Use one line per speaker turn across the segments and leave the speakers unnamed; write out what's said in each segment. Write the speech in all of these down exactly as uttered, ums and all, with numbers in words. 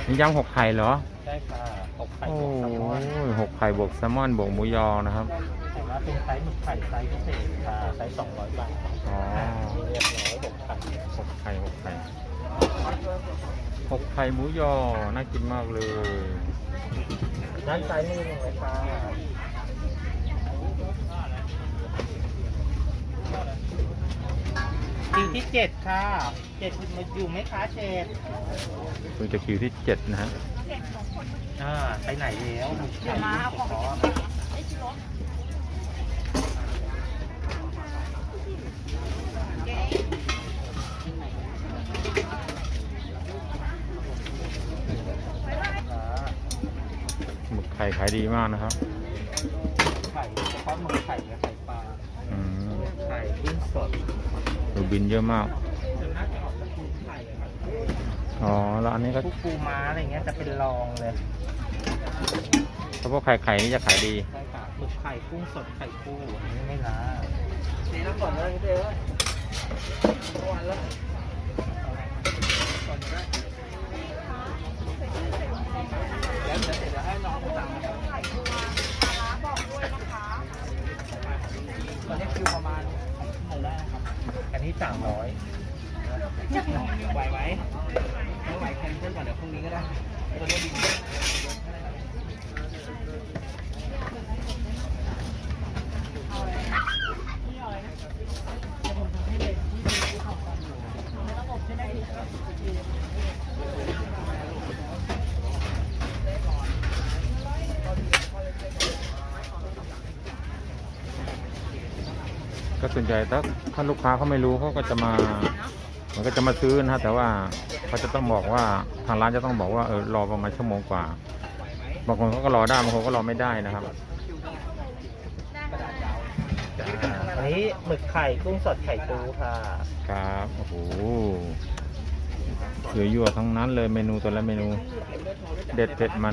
มียำหกไข่เหรอ
ใช่ค่ะหกไข่
โอ้
บวกแซลมอน
ยหกไข่บวกแซลมอนบวกหมูยอนะครับ
เห็นว่าเป็นไซส์หมึกไข่ไซส์พิเศษค่ะไซส์สองร้อยบาท
อ๋อ
เรียบร้อยหกไข่
หกไข่หกไข่หกไข่หมูยอน่ากินมากเลย
ด้านซ้ายมือเลยค่ะคิวที่เจ็ดค่ะเจ็ดมาอยู่ไหมคะเชด
เพิ่งจะคิวที่เจ็ดนะฮะ
อ่าไปไหนแล้วเดี๋ยวมาเอาของ
หมึกไข่ขายดีมากนะครับ
ไข่เฉพาะหมึกไข่กับไข่ปลา
อืม
ไข่กุ้งสด
ดูบินเยอะมากอ๋อแล้วอันนี้ก็
พวกปูม้าอะไรเงี้ยจะเป็นรองเลย
เฉพาะไข่ไข่นี่จะขายดี
ใช่ค่ะหมึกไข่กุ้งสดไข่ปูอันนี้ไม่ล้านี่แล้วก่อนเลยเดี๋ยววันละก่อนได้แล้วเดี๋ยวเสร็จแล้วให้น้องสั่งไข่ปูม้าปลาร้าบอกด้วยนะคะตอนนี้คิวประมาณชั่วโมงได้นะครับอันนี้สามร้อยไหวไหมไม่ไหวแคนเซิลก่อนเดี๋ยวพรุ่งนี้ก็ได้ตัวนี้ดี
ก็ส่วนใหญ่ถ้าถ้าลูกค้าเขาไม่รู้เขาก็จะมามันก็จะมาซื้อนะฮะแต่ว่าเขาจะต้องบอกว่าทางร้านจะต้องบอกว่าเออรอประมาณชั่วโมงกว่าบางคนเขาก็รอได้บางคนก็รอไม่ได้นะครับ
อันนี้หมึกไข่กุ้งสดไข่ปูค่ะ
ครับโอ้โหเยอะยั่วทั้งนั้นเลยเมนูแต่ละเมนูเด็ดเผ็ดมัน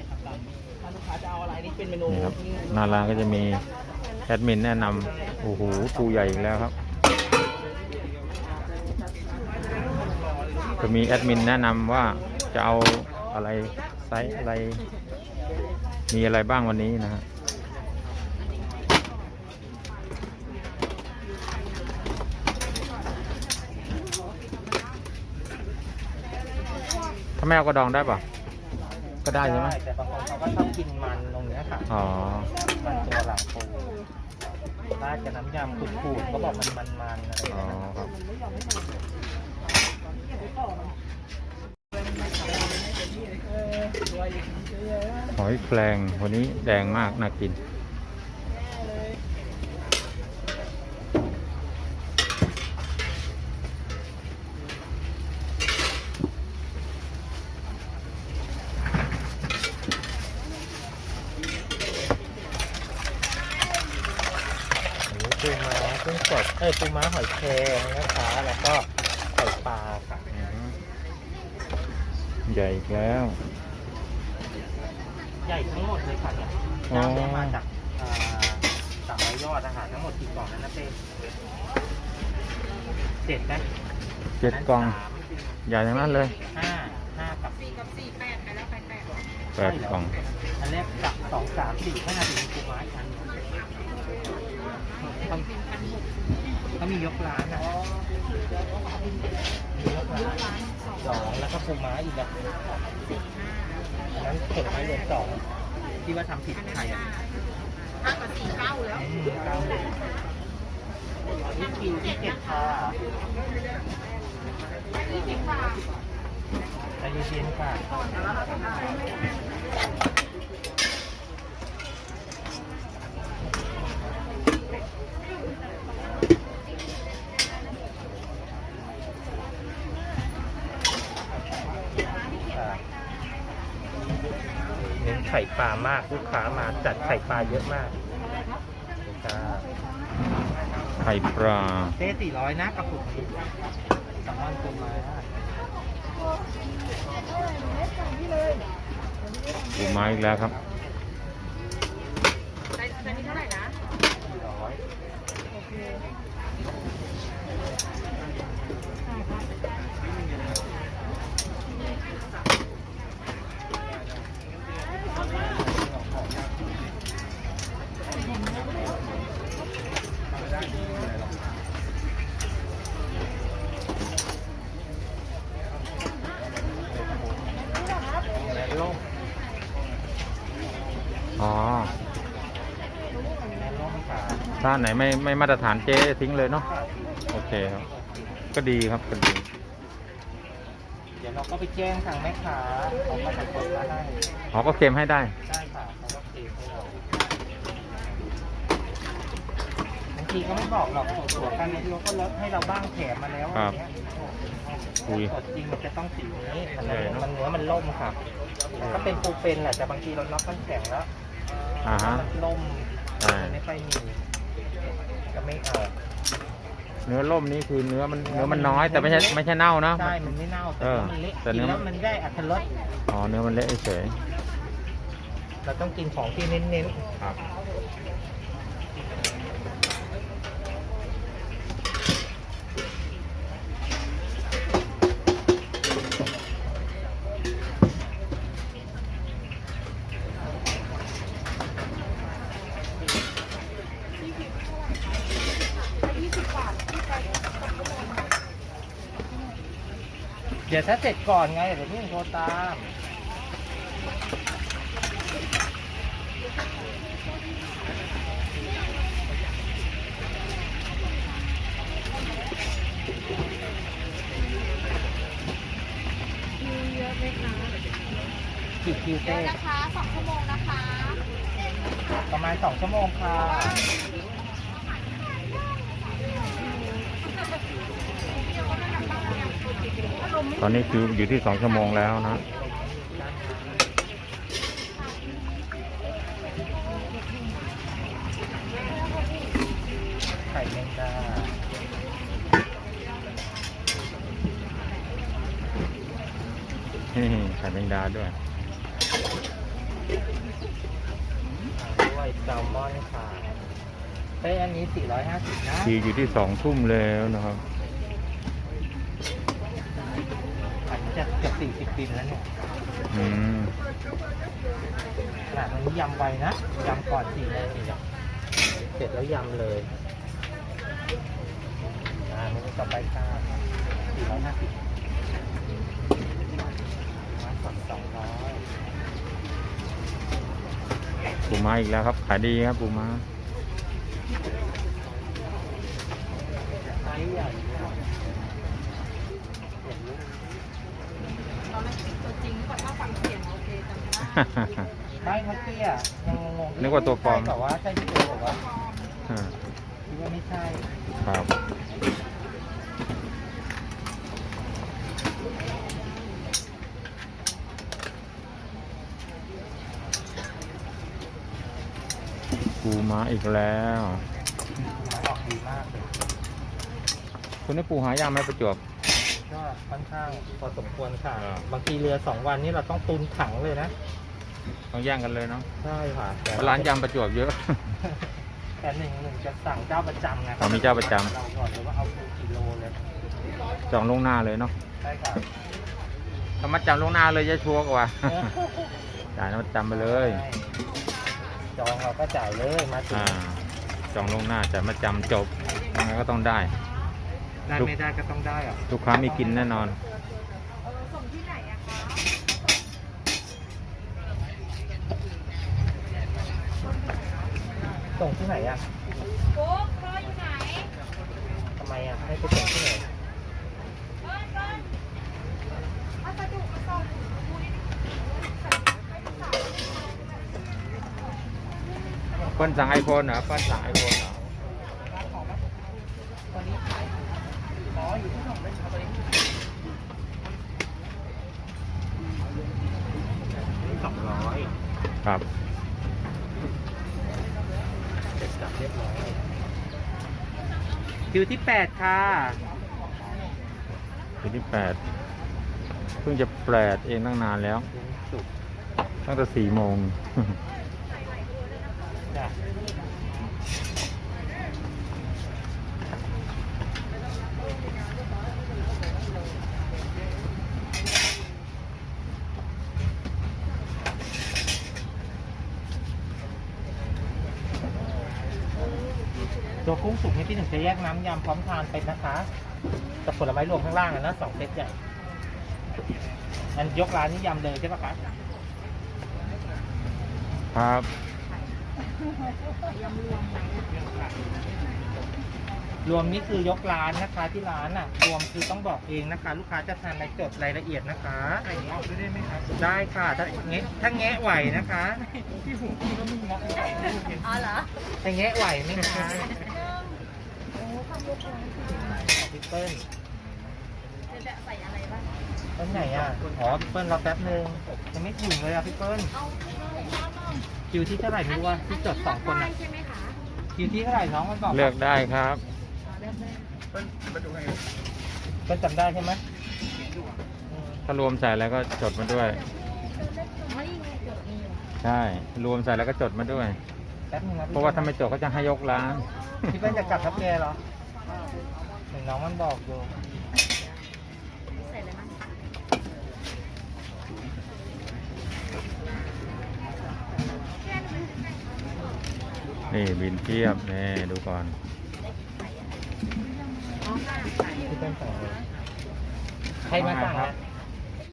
นี่ครับหน้าร้านก็จะมีแอดมินแนะนำโอ้โหปูใหญ่อีกแล้วครับจะมีแอดมินแนะนำว่าจะเอาอะไรไซส์อะไรมีอะไรบ้างวันนี้นะฮะถ้าไม่เอากระดองได้ป่ะก็ได้ใช่ไหม
แต่บางคนเขาก็ชอบกินมันตรงนี้ค่ะ
อ๋อ
มันตัวหลังปูราดกับน้ำยำขูดๆเขาบอกมันมันๆอะไร
อ๋อครับหอยแครงวันนี้แดงมากน่ากิน
ปูม้ากุ้งสดเอ้ยปูม้าหอยแครงนะคะแล้วก็ไข่ปลาค่ะ
ใหญ่อีกแล้ว
ใหญ่ทั้งหมดเลยค่ะเนี่ยย่างมาจากสามร้อยยอดอาหารทั้งหมดกี่กล่องนั้นนะเต้เจ็ดนะ
เจ็ดกล่องใหญ่ทั้งนั้นเลย
ห้าห้ากับสี่กับสี่แปดไปแล้วไปแปด
แปดกล่อง
อันแรกกับสองสามสี่ห้าถึงปูม้าอันเขามียกร้านอ่ะยกร้านสองแล้วก็ปูม้าอีกแบบอันนั้นผลไม้รวมสองที่ว่าทำผิดใครอ่ะห้ากับสี่เก้าแล้วเก้านี่คิวที่เจ็ดค่ะใจเย็นๆค่ะเน้นไข่ปลามากลูกค้ามาจัดไข่ปลาเยอะมาก
ไข่ปลา
เต้สี่ร้อยนะกระปุกสามวันปูม้า
ปูม้าอีกแล้วครับ
ไซส์นี้เท่าไหร่นะ
สี่ร้อยโอเค
ค้าไหนไม่ไม่มาตรฐานเจ๊ทิ้งเลยเนาะโอเคครับก็ดีครับก็ดี
เดี๋ยวเราก็ไปแจ้งทางแม่ค้าเขาก็จะกดมาให้
อ๋อก็เค็มให้ได้
ได้ค่ะเขาก็เทให้เราบางทีก็ไม่บอกหรอกตัวกันบางทีเขาก็ลดให้เราบ้างแถมมาแล้ว
ค
อะ
รับ
ไรเงี้ย
อุ้ย
สดจริงมันจะต้องสีนี้มัน
ใหญ่เนอะ
มันเนื้อมันล่มค่ะก็เป็นปูเป็นแหละแต่บางทีเราน็อกมันแข็งแล้ว
อ่าฮะ
มันล่ม
ใช่
มันไม่ค่อยมีก็ไม่เอา
เนื้อล่มนี่คือเนื้อมันเนื้อมันน้อยแต่ไม่ใช่ไม่ใช่เน่านะ
ใช่มันไม่เน่าแต่
เออ
เนื้อมันเละ
แต่
กิ
เนื้
น
อ
แล้วมันได้อรรถรส
อ๋อเนื้อมันเละเฉย
เราต้องกินของที่เน้น
ครับ
ๆเดี๋ยวถ้าเสร็จก่อนไงเดี๋ยวพี่โทรตาม
คิวเยอะไหมคะ
กี่คิว
เย
เต้
อะนะคะสองชั่วโมงนะคะ
ประมาณสองชั่วโมงค่ะ
ตอนนี้คืออยู่ที่สองชั่วโมงแล้วนะ
ไข่แมงดา
นี่ไข่แมงดาด้วย
ด้วยแซลมอนค่ะเต้อันนี้สี่ร้อยห้าสิบนะ
ทีอยู่ที่สองทุ่มแล้วนะครับ
อันนี้จะเกือบสี่สิบบินแล้วเนี่ย
อืม
ขนาดนี้ยำไวนะยำก่อนสี่โมงอีกอะเสร็จแล้วยำเลยอ่าเมนูต่อไปค่ะสี่ร้อยห้าสิบมาสองสองร้อย
ปูม้าอีกแล้วครับขายดีครับปูม้า
ไซส์ใหญ่เนี่ย
ตอนแรกตัวจริงก่อนถ้าฟังเสียงโอเคจำได้
ไม่ทักเตี้ยยังงงๆ
นึกว่าตัวปลอม
ใช่แบบว่าใช่ที่ตัวบอกว่า
อ่า
คิดว่าไม่ใช่
ครับปูม้าอีกแล้ว
มันออกดีมากเลย
คุณได้ปูหายากไหมประจวบ
ก็ค่อนข้างพอสมควรค่ะ
อ่า
บางทีเรือสองวันนี้เราต้องตุนถังเลยนะ
ต้องแย่งกันเลยเนาะ
ใช่ค่ะแต่
ร้านยำประจวบเยอะ
แต่หนึ่งหนึ่งจะสั่งเจ้าประจำไง
อ๋อมีเจ้าประจำ
เราก่อนเลยว่าเอาปูกี่โลเลย
จองล่วงหน้าเลยเนาะ
ใช่ค่ะ
ถ้ามัดจำล่วงหน้าเลยจะชัวร์กว่า จ่ายมัดจำไปเลย
ใช่จองเราก็จ่ายเลยมาถึง
อ่าจองล่วงหน้าจ่ายมัดจำจบยังไงก็ต้องได้
ได้ไม่ได้ก็ต้องได้อะ
ลูกค้ามีกินแน่นอน
ส่งที่ไหนอะคะ
ส่งที่ไหนอ่ะ
โบ๊กรออยู่ไหน
ทำไมอ่ะให้ไปส่งที่ไหน
เบิ้ลเบิ้ลพัสดุมาส่งคุย
เปิ้ลสั่งไอโฟนเหรอเปิ้ลสั่งไอโฟนเหรอ
ตอนนี้ขายอ๋ออยู่ที่หนองเป็นชาวบ้านสองร้อย
ครับ
เสร็จสับเรียบร้อยคิวที่แปดค่ะ
วันที่แปดเพิ่งจะแปดเองตั้งนานแล้ว
ถึงสุก
ตั้งแต่สี่โมง
จ้ะตัวกุ้งสุกนี่พี่หนึ่งจะแยกน้ำยำพร้อมทานเป็นนะคะกับผลไม้รวมข้างล่างอะนะสองเซตใหญ่อันยกร้านนี้ยำเลยใช่ปะคะ
ครับ
ยำรวมไหม
รวมนี่คือยกร้านนะคะที่ร้านอ่ะ รวมคือต้องบอกเองนะคะ ลูกค้าจะทานอะไรจดรายละเอียดนะคะใส่เงาะได้ไหมครับได้ค่ะถ้าแงะถ้าแงะไหวนะคะพี่หูพี่ก็ไม่เงาะ
อ๋อเหรอ
ถ้าแงะไหวไหมคะ
โอ้ทำยกเลย
พี่เปิ้ล
จะใส่อะไรบ้าง
ต้นไหนอ่ะอ๋อพี่เปิ้ลรอแป๊บนึงยังไม่ถึงเลยอ่ะพี่เปิ้ล
เอาเอาเอา
คิวที่เท่าไหร่ไม่รู้ว่าที่จดสองคน
ได้
อ่ะ
ใช่ไหมคะ
คิวที่เท่าไหร่น้องมันบอก
เลือกได้ครับ
อ๋อเลือกได้
เปิ้ลจำได้ใช่ไหมอืม
ถ้ารวมใส่แล้วก็จดมาด้วย
ไม่มีเกิดมีอยู่
ใช่ รวมใส่แล้วก็จดมาด้วย
แป๊บนึงนะ
เพราะว่าถ้าไม่จดก็จะให้ยกร้าน
พี่เปิ้ลจะกลับทับแกเหรอเห็นน้องมันบอกอยู่
ใส่อะไรบ้าง
นี่บินเทียบนี่ดูก่อน
อ๋อค่ะ
พี่เปิ้ลสั่งเลยใครมาสั่ง
ครั
อ่ะ
บ